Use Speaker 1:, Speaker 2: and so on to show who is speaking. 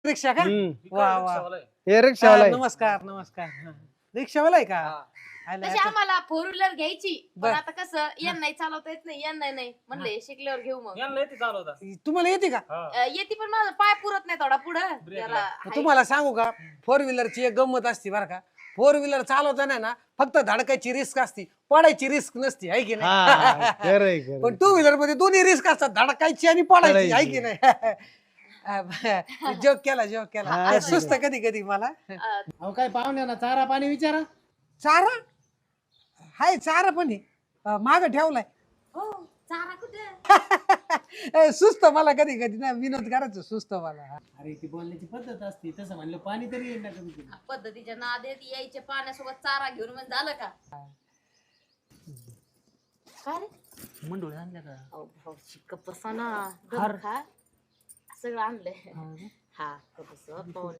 Speaker 1: रिक्षा का? वा वा.
Speaker 2: हे रिक्षावाला आहे.
Speaker 1: नमस्कार नमस्कार. रिक्षावाला आहे का? आलं
Speaker 3: तशी
Speaker 1: आता.
Speaker 3: आम्हाला फोर व्हीलर घ्यायची पण
Speaker 1: बर.
Speaker 3: आता कसं यांना नाही चालवता येत नाही यांना नाही म्हणले शिकल्यावर घेऊ मग
Speaker 1: तुम्हाला येते का?
Speaker 3: येते पण माझा पाय पुरत नाही थोडा पुढं जरा हाय.
Speaker 1: तुम्हाला सांगू का, फोर व्हीलरची एक गंमत असते बरं का. फोर व्हीलर चालवताना ना फक्त धडकायची रिस्क असती, पडायची रिस्क नसती, आहे की नाही?
Speaker 2: हा, खरंय, खरंय.
Speaker 1: पण टू व्हीलर मध्ये दोन्ही रिस्क असतात, धडकायची आणि पडायची, आहे की नाही? जोक केला सुस्त कधी कधी मला.
Speaker 4: अहो काय पाहुण्या ना चारा पाणी विचारा.
Speaker 1: चारा हाय, चारा पण आहे माग ठेवलाय.
Speaker 3: हो चारा कुठे
Speaker 1: सुस्त मला कधी कधी ना विनोद करायचं सुस्त मला.
Speaker 4: अरे ती बोलण्याची पद्धत असते तसं म्हणलं पाणी तरी येईल ना कमी कमी.
Speaker 3: पद्धतीच्या नादेत यायचे पाण्यासोबत चारा घेऊन म्हणजे झालं का काय रे
Speaker 4: मंडोळी आणल्या का?
Speaker 3: अहो भाऊ शिक्क बसा ना. खा सगळं आणलंय हा कसं